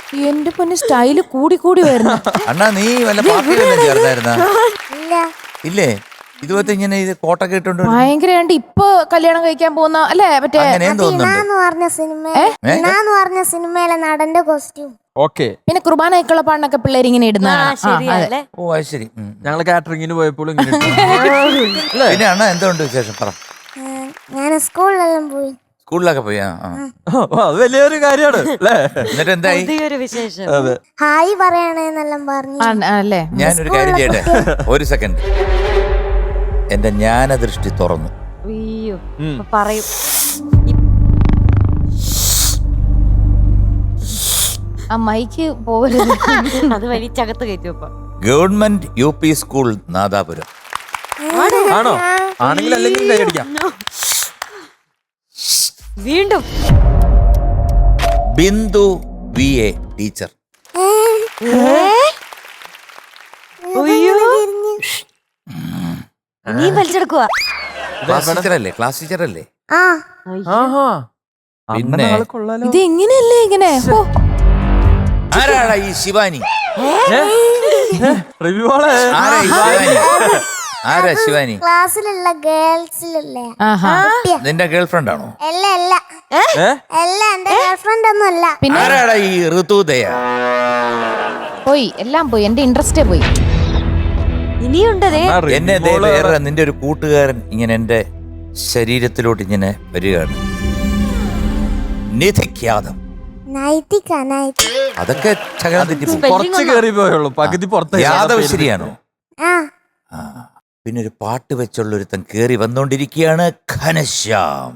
എന്റെ പൊന്നെ സ്റ്റൈല് കൂടി വരുന്നു. അണ്ണാ നീ വല്ല പാർട്ടിയിലെല്ലാം ചേർന്നായിരുന്ന? ഇല്ലേ? ഇതുപോലത്തെ ഇങ്ങനെ ഇത് കോട്ടൊക്കെ ഇട്ടോണ്ട് ഭയങ്കരമായിട്ട് ഇപ്പൊ കല്യാണം കഴിക്കാൻ പോകുന്ന അല്ലേ? മറ്റേ പറഞ്ഞ സിനിമയിലെ നടന്റെ കോസ്റ്റ്യൂം. ഓക്കെ. പിന്നെ കുർബാനയ്ക്കുള്ള പാണ്ണൊക്കെ പിള്ളേർ ഇങ്ങനെ ഇടുന്നതാണ്. ഓ അത് ശരി. ഞങ്ങള് കാറ്ററിംഗിന് പോയപ്പോൾ പിന്നെ അണ്ണാ എന്തുകൊണ്ട് വിശേഷം പറ. ഞാൻ സ്കൂളിലെല്ലാം പോയി. സ്കൂളിലൊക്കെ പോയി. അത് വലിയൊരു കാര്യമാണ് അല്ലേ? എന്നിട്ട് എന്തായി? ഹായ് പറയണേന്നെല്ലാം പറഞ്ഞു. അല്ലേ? ഞാനൊരു കാര്യം ചെയ്യട്ടെ, ഒരു സെക്കൻഡ്. എന്റെ ജ്ഞാനദൃഷ്ടി തുറന്നു. പറയും. ആ മൈക്ക് പോകരുത്, അത് വലിച്ചകത്ത് കയറ്റും. Government UP school Nadapuram. ആണോ? ആണെങ്കിൽ അല്ലെങ്കിൽ കൈയടിക്കാം. വീണ്ടും ബിന്ദു VA ടീച്ചർ. നീ വലിച്ചെടുക്കുക. ക്ലാസ് ടീച്ചറല്ലേ? പിന്നെ ഇത് എങ്ങനെയല്ലേ ഇങ്ങനെ? ആരാടാ ഈ ശിവാനി? ആരാ ശിവാനി? ക്ലാസ്സിലുള്ള ഗേൾസിലല്ലേ? നിന്റെ ഗേൾഫ്രണ്ട് ആണോ? അല്ല എന്റെ ഗേൾഫ്രണ്ട് ഒന്നും അല്ല. പിന്നെ ആരാടാ ഈ ഋതുദയ? പോയി, എല്ലാം പോയി, എന്റെ ഇൻട്രസ്റ്റേ പോയി. ഇനിയുണ്ടതേ. എന്നെ വേറെ നിന്റെ ഒരു കൂട്ടുകാരൻ ഇങ്ങനെ എന്റെ ശരീരത്തിലോട്ട് ഇങ്ങനെ വരികയാണ്. നിധിഖ്യാതം. അതൊക്കെ കുറച്ച് കേറി പോയുള്ളൂ, പകുതി പുറത്ത്. യാദവ് ശരിയാണോ? പിന്നെ ഒരു പാട്ട് വെച്ചുള്ള ഒരുത്തൻ കേറി വന്നോണ്ടിരിക്കുകയാണ്, ഘനശ്യാം.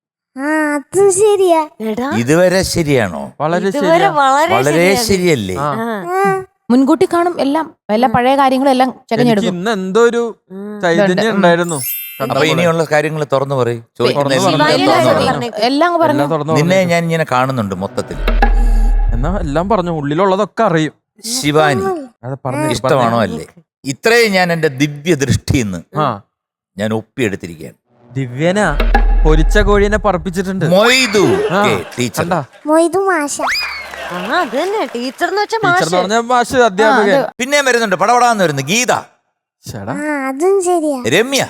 ഇതുവരെ ശരിയാണോ? വളരെ ശരിയല്ലേ? മുൻകൂട്ടി കാണും എല്ലാം, എല്ലാ പഴയ കാര്യങ്ങളും എല്ലാം ചകഞ്ഞെടുക്കും. ഇന്ന് എന്തോ ഒരു ചൈതന്യം ഉണ്ടായിരുന്നു. അപ്പൊ ഇനിയുള്ള കാര്യങ്ങൾ തുറന്നു പറയും. എല്ലാം പറഞ്ഞു. നിന്നെ ഞാൻ ഇങ്ങനെ കാണുന്നുണ്ട് മൊത്തത്തിൽ. എന്നാ എല്ലാം പറഞ്ഞു, ഉള്ളിലുള്ളതൊക്കെ അറിയും. ശിവാനി ഇഷ്ടമാണോ അല്ലേ? ഇത്രയും ഞാൻ എന്റെ ദിവ്യ ദൃഷ്ടിന്ന് ഞാൻ ഒപ്പിയെടുത്തിരിക്കുകയാണ്. ദിവ്യന പൊരിച്ച കോഴിനെ പറപ്പിച്ചിട്ടുണ്ട്. മൊയ്തു ടീച്ചർ. പിന്നെ വരുന്നുണ്ട്, പടപടാന്ന് വരുന്നു ഗീത. രമ്യ.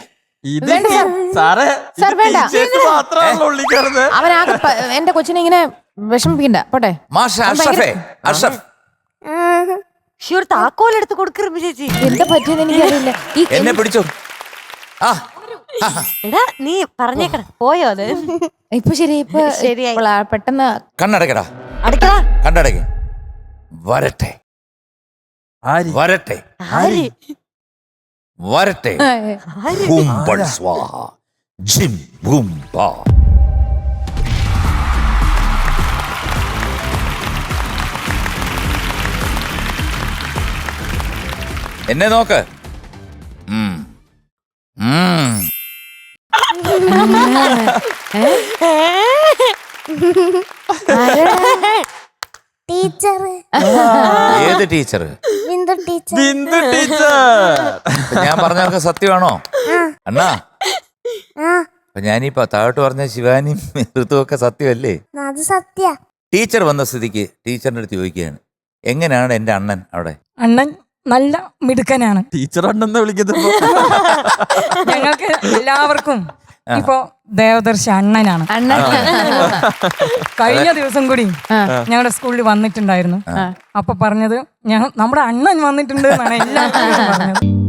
അവനാകെ എന്റെ കൊച്ചിനെ ഇങ്ങനെ വിഷമിപ്പിക്കണ്ട. പോട്ടെ. താക്കോലെടുത്ത് കൊടുക്കരുത് ചേച്ചി. എന്താ പറ്റിയെന്ന് എനിക്കറിയില്ല. എന്നെ പിടിച്ചോ. എടാ നീ പറഞ്ഞേക്കട പോയോ? അത് ഇപ്പൊ ശരി, ഇപ്പൊ ശരിയായി. പെട്ടെന്ന് കണ്ണടക്കടാ. അടയ്ക്കടാ. കണ്ണടക്ക. വരട്ടെ വരട്ടെ വരട്ടെ. എന്നെ നോക്ക്. ടീച്ചർ. ഏത് teacher? Bindu teacher. Bindu teacher. ഞാൻ പറഞ്ഞൊക്കെ സത്യമാണോ അണ്ണാ? അപ്പൊ ഞാനീ താഴോട്ട് പറഞ്ഞ ശിവാനിയും ഋതുവൊക്കെ സത്യമല്ലേ? അത് സത്യ. ടീച്ചർ വന്ന സ്ഥിതിക്ക് ടീച്ചറിന്റെ അടുത്ത് ചോദിക്കുകയാണ്, എങ്ങനെയാണ് എന്റെ അണ്ണൻ അവിടെ? അണ്ണൻ നല്ല മിടുക്കനാണ്. ടീച്ചർ അണ്ണെന്ന് വിളിക്കുന്നത് ഞങ്ങൾക്ക് എല്ലാവർക്കും ഇപ്പൊ ദേവദർശി അണ്ണനാണ്. കഴിഞ്ഞ ദിവസം കൂടി ഞങ്ങളുടെ സ്കൂളിൽ വന്നിട്ടുണ്ടായിരുന്നു. അപ്പൊ പറഞ്ഞത് നമ്മുടെ അണ്ണൻ വന്നിട്ടുണ്ട് എന്നാണ് എല്ലാവരും പറഞ്ഞത്.